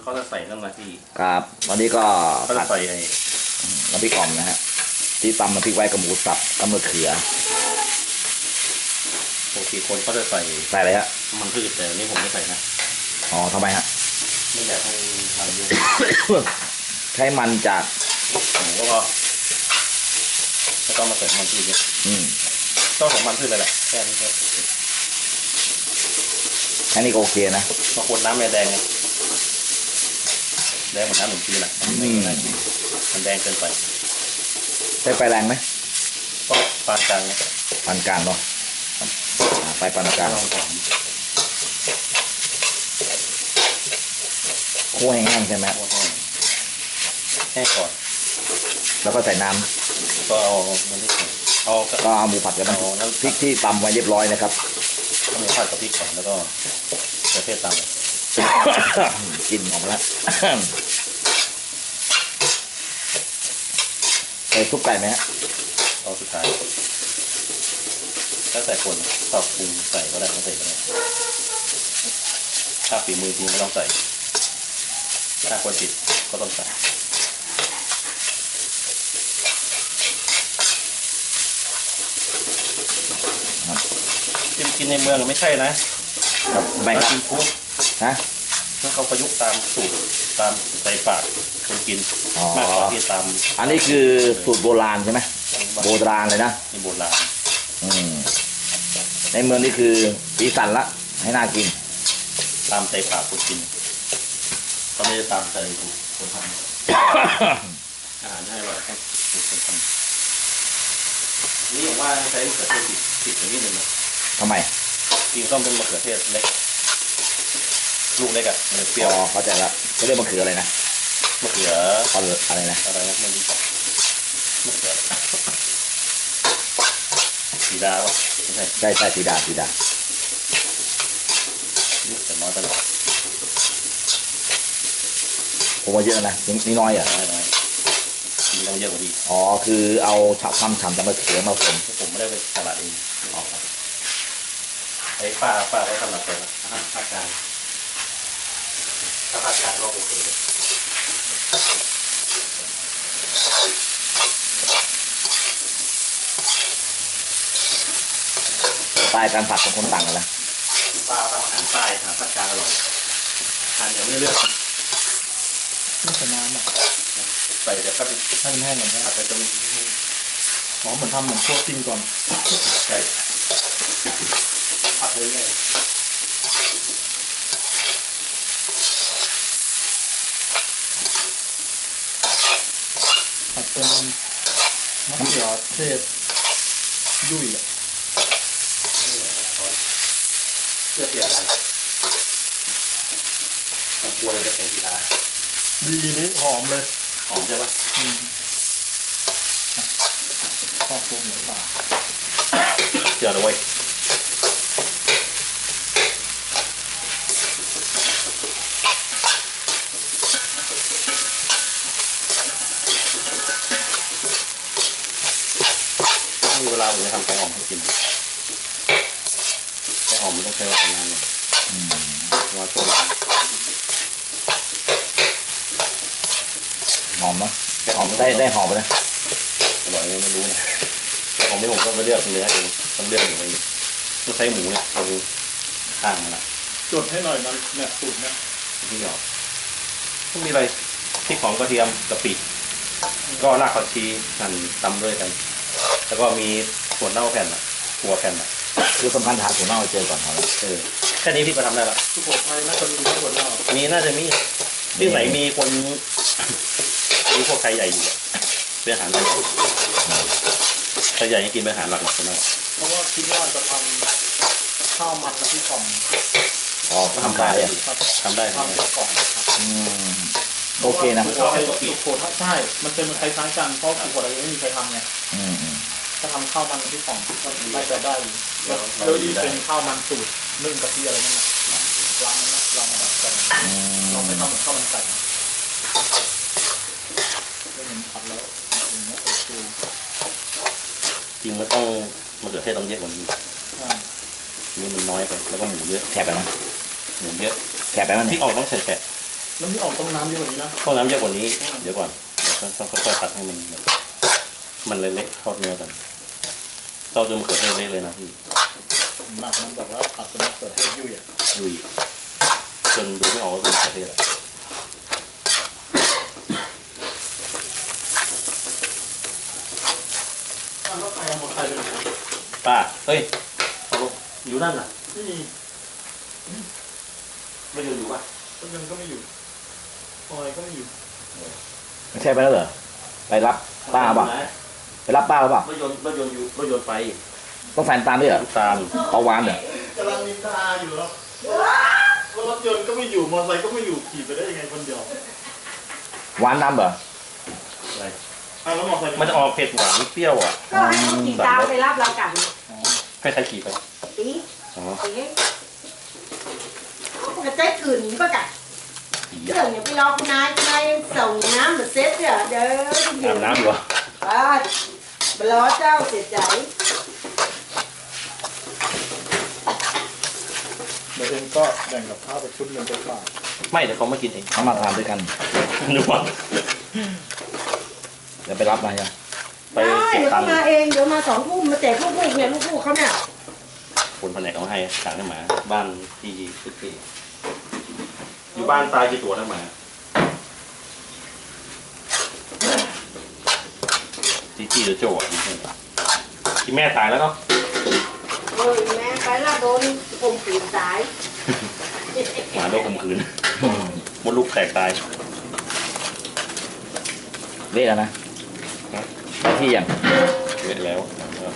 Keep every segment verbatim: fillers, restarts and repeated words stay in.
เขาจะใส่น้ำมันที่ครับวันนี้ก็เขาจะใส่ไอ้น้ำพริกอ่อมนะฮะที่ตำน้ำพริกไว้กับหมูสับกับมะเขือปกติคนเขาจะใส่ใส่อะไรฮะมันพืชแต่นี่ผมไม่ใส่นะอ๋อทำไมฮะไม่อยากให้มันเยอะใช้มันจากแล้วก็ไม่ต้องมาใส่มันพืชเยอะต้องของมันพืชเลยแหละแค่นี้ก็แค่นี้ก็โอเคนะบางคนน้ำแดงแดงเหมือนน้ำหนุ่มจีนแหละมันแดงเกินไปใช้ไฟแรงไหมก็ปานกลางปานกลางเนาะไฟปานกลางคั่วแห้งๆใช่ไหมแห้งก่อนแล้วก็ใส่น้ำก็เอามันที่เอาก็เอาหมูผัดกับน้ำพริกที่ตำไว้เรียบร้อยนะครับหมูผัดกับพริกก่อนแล้วก็กระเทียมตามกินหอมแล้วใส่ซุปไก่ไหมฮะเอาสุดท้ายถ้าใส่คนชอบปรุงใส่ก็ได้ไม่ใส่ก็ได้ถ้าฝีมือจริงไม่ต้องใส่ถ้าคนติดก็ต้องใส่กินกินในเมืองไม่ใช่นะครับไม่ครับกินคุกฮะถ้าเขาประยุกต์ตามสูตรตามใส่ปากคนกินมากกว่าที่ตามอันนี้คือสูตรโบราณใช่ไหมโบราณเลยนะนี่โบราณอืมในเมืองนี่คือสีสันละให้น่ากินตามใส่ปากคนกินเขาไม่ได้ตามใจคนทำอาหารให้อร่อยต้องถูกคนทำนี่ผมว่าใช้มะเขือเทศติดติดนิดนึงนะทำไมกินต้องเป็นมะเขือเทศเล็กลูกเล็กอะมันเปรี้ยวอ๋อเข้าใจละเขาเรียกมะเขืออะไรนะมะเขืออะไรนะอะไรนะไม่รู้จักมะเขือสีดาวะไม่ใช่ใช่ใช่สีดาสีดาลูกแต่น้อยตลอดผมว่าเยอะนะนี่น้อยอ่ะน้อยน้อยกินต้องเยอะกว่าดีอ๋อคือเอาฉับทำฉ่ำจากมะเขือมาผสมผมไม่ได้ไปตลาดเองออกไอ้ป้าป้าเขาทำแบบเป็นอาหารภาคกลางถ้าภาคกลางก็โอเคเลยใต้การผัดของคนต่างกันนะป้าทำอาหารใต้อาหารภาคกลางอร่อยทานอย่างไม่เลือกไม่ใส่น้ำอ่ะใส่แต่ก็เป็นให้มันแห้งก่อนนะอาจจะจะมีอ๋อเหมือนทำเหมือนพวกจิ้มก่อนใช่ผัดเลยเลยผัดเป็นมะเขือเทศยุ่ยอ่ะเพื่อเปลี่ยนอะไรผมกลัวเลยจะเป็นกีฬาดีนี้หอมเลยหอมใช่ปะอืมชอบพวกหมูป่าเจอเลยเว้ยมีเวลาผมจะทำแกงอ่อมให้กินแกงอ่อมมันต้องใช้เวลานานเลยว่าตัวหอมมั้ยหอมได้ได้หอมนะอร่อยไม่รู้นะแต่ของที่ผมต้องไปเลือกเนื้อเองต้องเลือกอย่างไรต้องใช้หมูเนี่ยเอาข้างนะจดให้หน่อยมันเนี่ยสูตรเนี่ยที่หยอกต้องมีอะไรพริกของกระเทียมกะปิก็รากผักชีหั่นตำด้วยกันแล้วก็มีส่วนเน่าแผ่นอ่ะตัวแผ่นอ่ะคือสำคัญหาส่วนเน่าเจอก่อนครับเออแค่นี้พี่ก็ทำได้ละทุกคนไทยน่าจะมีส่วนเน่ามีน่าจะมีที่ไหนมีคนมีพวกไทยใหญ่อยู่เป็นอาหารไทยใหญ่ไทยใหญ่ยังกินเป็นอาหารหลักหลักนะเพราะว่าคิดว่าจะทำข้าวมันและที่กล่องอ๋อทำได้ทำได้ทำกล่องโอเคนะสุโขทัยใช่มันเป็นคล้ายๆกันเพราะสุโขทัยไม่มีใครทำไงถ้าทำข้าวมันที่กล่องก็ไม่จะได้แล้วดีเป็นข้าวมันสูตรนึ่งกะทิอะไรนั่นแหละร้านนั้นเรามาดัดแปลงเราไม่ทำเหมือนข้าวมันไก่ไม่เห็นผัดแล้วอย่างเงี้ยโอเคจริงมันต้องมะเขือเทศต้องเยอะกว่านี้นี่มันน้อยไปแล้วก็หมูเยอะแฉะไปนะหมูเยอะแฉะไปมั้ยที่ออกต้องใส่แฉะแล้วนี่ออกต้มน้ำเยอะกว่านี้นะต้มน้ำเยอะกว่านี้เดี๋ยวก่อนเดี๋ยวต้องค่อยๆผัดให้มันแบบมันเละๆทอดเนื้อกันเต้าจนมะเขือเทศเละเลยนะพี่หนักมันแบบว่าผัดจนมะเขือเทศยุ่ยอ่ะลุยจนดูไม่ออกว่าเป็นมะเขือเทศอะแล้วใครเอาหมดใครไปไหนป้าเฮ้ยเอาลงอยู่นั่นน่ะไม่มีไม่อยู่อยู่ป่ะต้นยังก็ไม่อยู่พลอยก็ไม่อยู่ไม่ใช่ไปแล้วเหรอไปรับป้าเปล่ะไปรับป้าหรือเปล่ารถยนต์รถยนต์อยู่รถยนต์ไปต้องแฟนตามด้วยเหรอลูกตาลเอาหวานเหรอกำลังนินทาอยู่แล้วรถยนต์ก็ไม่อยู่มอเตอร์ไซค์ก็ไม่อยู่ขี่ไปได้ยังไงคนเดียวหวานน้ำเหรออะไรอ่ะแล้วมอเตอร์ไซค์มันจะออกเผ็ดหวานเปรี้ยวอ่ะก็ให้เขาขี่ตามไปรับเรากลับให้ใครขี่ไปตีอ๋อตีเขาก็เจ๊กื่นก็กัดขี่เรื่องอย่าไปรอคุณนายคุณนายส่งน้ำมาเซ็ตเนี่ยเด้ออาบน้ำอยู่อ่ะอ่าบล้อเจ้าเสียใจเดี๋ยวเองก็แบ่งกับข้าวไปชุดหนึ่งไปฝากไม่เดี๋ยวเขามากินเองเขามาทานด้วยกันนึกว่าเดี๋ยวไปรับมาใช่ไหมไปได้เก็บเดี๋ยวตัเขางค์มาเองเดี๋ยวมาสองทุ่มมาแจกลูกๆเนี่ยลูกๆเขาเนี่ยคนแผนกเอาให้สั่งให้หมาบ้านที่สุดที่อยู่บ้านตายกี่ตัวนะหมาที่ที่หรือโจ้อะที่แม่ตายแล้วเนาะเออแม่ไปละโดนข่มขืนตายหมาโดนข่มขืนมดลูกแตกตายเละแล้วนะไปที่ยังเละแล้ว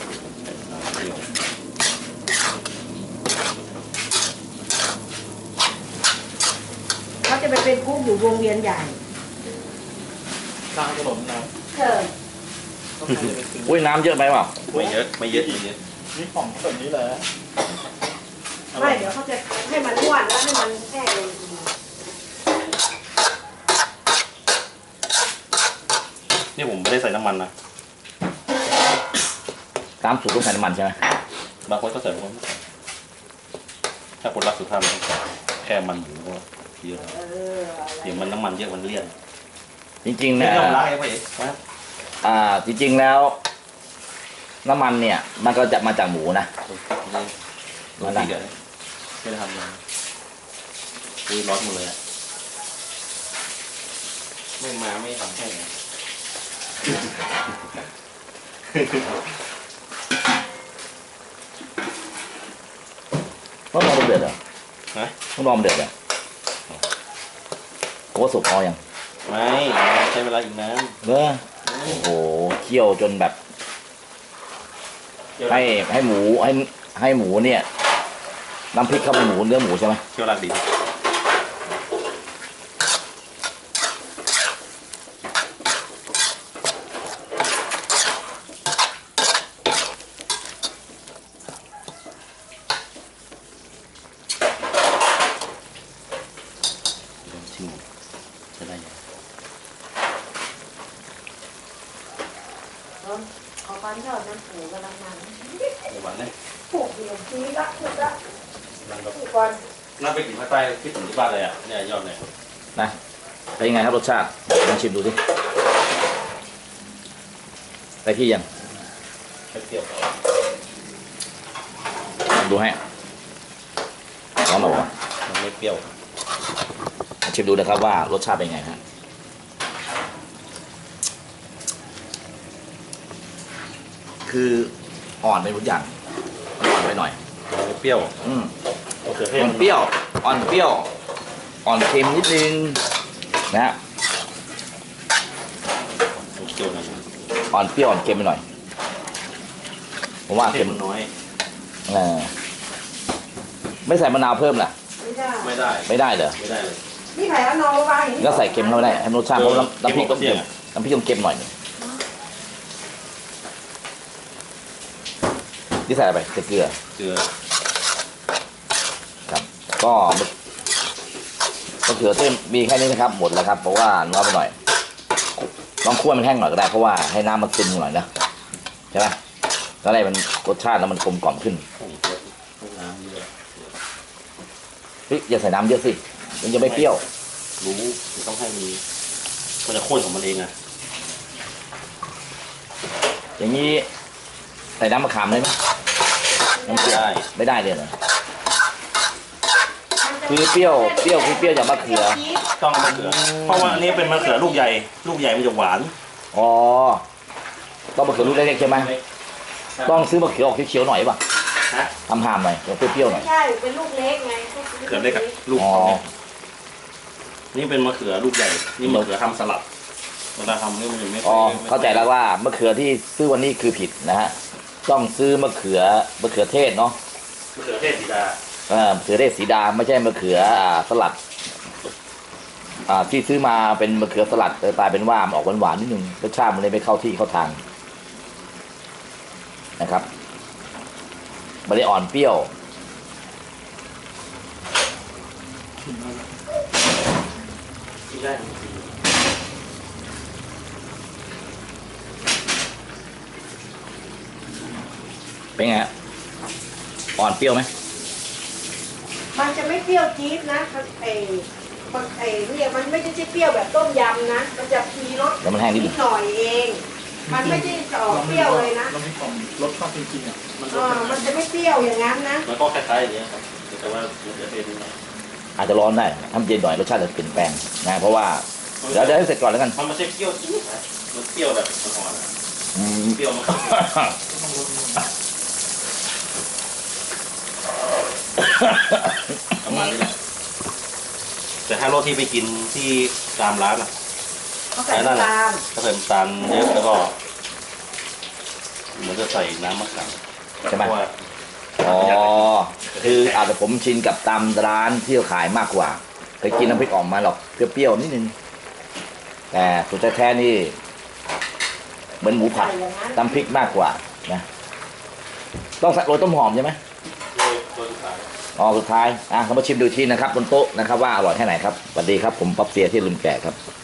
เขาจะไปเป็นกุ๊กอยู่วงเวียนใหญ่ข้างถนนนะเออต้องใครจะไปซื้ออุ้ยน้ำเยอะไปเปล่าไม่เยอะไม่เยอะไม่เยอะนี่ของแบบนี้แหละไม่เดี๋ยวเขาจะให้มันอ้วนแล้วให้มันแห้งลงทีนี่ผมไม่ได้ใส่น้ำมันนะตามสูตรต้องใส่น้ำมันใช่ไหมบางคนก็ใส่บางคนไม่ใส่ถ้าคนรักสุขภาพมันต้องใส่แค่มันหมูก็เยอะเออเดี๋ยวมันน้ำมันเยอะมันเลี่ยนจริงๆไม่นะต้องล้างเองไปเองนะอ่าจริงๆแล้ว น้ำมันเนี่ย มันก็จะมาจากหมูนะร้อนเดือดไม่ได้ทำเลยอุ้ยร้อนหมดเลยอะไม่มาไม่ทำให้ไงต้องรอมันเดือดเหรอฮะต้องรอมันเดือดเหรอโอ้สุกพอยังไม่ใช้เวลาอีกนานเนอะโอ้โหเคี่ยวจนแบบ ให้ให้หมูให้ให้หมูเนี่ยน้ำพริกเข้าไปหมูเนื้อหมูใช่ไหมเที่ยวรักดี ชิมจะได้ยังเอาปันทอดน้ำปูกำลังมันในวันนี้ผูกเดียวทีละถูกละนั่งก็ผูกก่อนนั่งไปกินภาคใต้คิดถึงที่บ้านเลยอ่ะเนี่ยยอดเนี่ยนะเป็นยังไงครับรสชาติลองชิมดูสิไปที่ยังแค่เปรี้ยวดูให้ร้อนหรอวะมันไม่เปรี้ยวชิมดูนะครับว่ารสชาติเป็นไงฮะคืออ่อนไปทุกอย่างอ่อนไปหน่อยมันไม่เปรี้ยวอืมมะเขือเทศอ่อนเปรี้ยว อ่อนเปรี้ยว อ่อนเค็มนิดนึงนะฮะมันเปรี้ยวนะอ่อนเปรี้ยวอ่อนเค็มไปหน่อยผมว่าเค็เค็มมน้อยเออไม่ใส่มะนาวเพิ่มล่ะไม่ได้ไม่ได้ไม่ได้เหรอไม่ได้เลยนี่ไผ่เอานอนวางอย่างนี้ก็ใส่เค็มเข้าไปได้ให้รสชาติเพราะน้ำน้ำพริกต้องเค็เค็มมน้ำพริกต้องเค็มหน่อยหนึงนี่ใส่อะไรไปใส่เกลือเกลือครับ ก็มะเขือเทศมีแค่นี้นะครับ หมดแล้วครับ เพราะว่าน้อยไปหน่อยลองคั่วมันแห้งหน่อยก็ได้เพราะว่าให้น้ำมันซึมหน่อยนะใช่ไหมก็ได้มันรสชาติแล้วมันกลมกล่อมขึ้นผงชูรสน้ำเยอะเฮ้ยอย่าใส่น้ำเยอะสิมันจะไม่เปรี้ยวรู้ต้องให้มีมันจะข้นของมันเองอะอย่างนี้ใส่น้ำมะขามได้ไหมน้ำเปรี้ยวได้ไม่ได้เลยเหรอ คือเปรี้ยวเปรี้ยวคือเปรี้ยวจากมะเขือต้องมะเขือเพราะว่าอันนี้เป็นมะเขือลูกใหญ่ ลูกใหญ่มันจะหวานอ๋อต้องมะเขือลูกเล็กๆใช่ไหมต้องซื้อมะเขือออกเขียวๆหน่อยป่ะฮะทำหามหน่อยเปรี้ยวๆหน่ไม่อยใช่เป็นลูกเล็กไงมะเขือเล็กอะลูกอ๋อเขาเนี่ยนี่เป็นมะเขือลูกใหญ่ นี่มะเขือทำสลัดเวลาทำนี่มันจะไม่อ๋อไม่เข้าใจแล้วว่ามะเขือที่ซื้อวันนี้คือผิดนะฮะต้องซื้อมะเขือมะเขือเทศเนาะมะเขือเทศสีดาเออมะเขือเทศสีดาไม่ใช่มะเขืออ่าสลัดอ่าที่ซื้อมาเป็นมะเขือสลัดแต่กลายเป็นว่ามันออกหวานๆนิดนึงรสชาติมันเลยไม่เข้าที่เข้าทางนะครับมันเลยอ่อนเปรี้ยวที่ได้เป็นไงฮะอ่อนเปรี้ยวไหมมันจะไม่เปรี้ยวจี๊ดนะไอ้มันไอ้เนี่ยมันไม่ใช่เปรี้ยวแบบต้มยำนะมันจะมีรสแล้วมันแห้งนิดนินึดงหน่อยเอง มันไม่ได้ออกเปรี้ยวเลยนะเราไม่ของรสชาติจริงๆอ่ะมันเออมันจะไม่เปรี้ยวอย่างนั้นนะมันก็คล้ายๆอย่างเงี้ยครับแต่ว่ามะเขือเทศนี่นะอาจจะร้อนได้ทำเย็นหน่อยรสชาติจะเปลี่ยนแปลงนะเพราะว่าเดี๋ยวเดี๋ยวให้เสร็จก่อนแล้วกันมันไม่ใช่เปรี้ยวจี๊ดนะมันเปรี้ยวแบบอ่อนๆนะอืมเปรี้ยวมากประมาณนี้แหละแต่ถ้ารสที่ไปกินที่ตามร้านอะเขาใส่น้ำตาลถ้าใส่น้ำตาลเยอะแล้วก็เหมือนจะใส่น้ำมะขามใช่ไหมเพราะว่าอ๋อคืออาจจะผมชินกับตามร้านที่เขาขายมากกว่าเคยกินน้ำพริกอ่องมาหรอกเปรี้ยวๆนิดนึงแต่สุดแท้ๆนี่เหมือนหมูผัดน้ำพริกมากกว่านะต้องใส่โรยต้นหอมใช่ไหมโดยโดยขายอ๋อสุดท้ายอ่ะเรามาชิมดูทีนะครับบนโต๊ะนะครับว่าอร่อยแค่ไหนครับสวัสดีครับผมป๊อปเซียที่ลืมแก่ครับ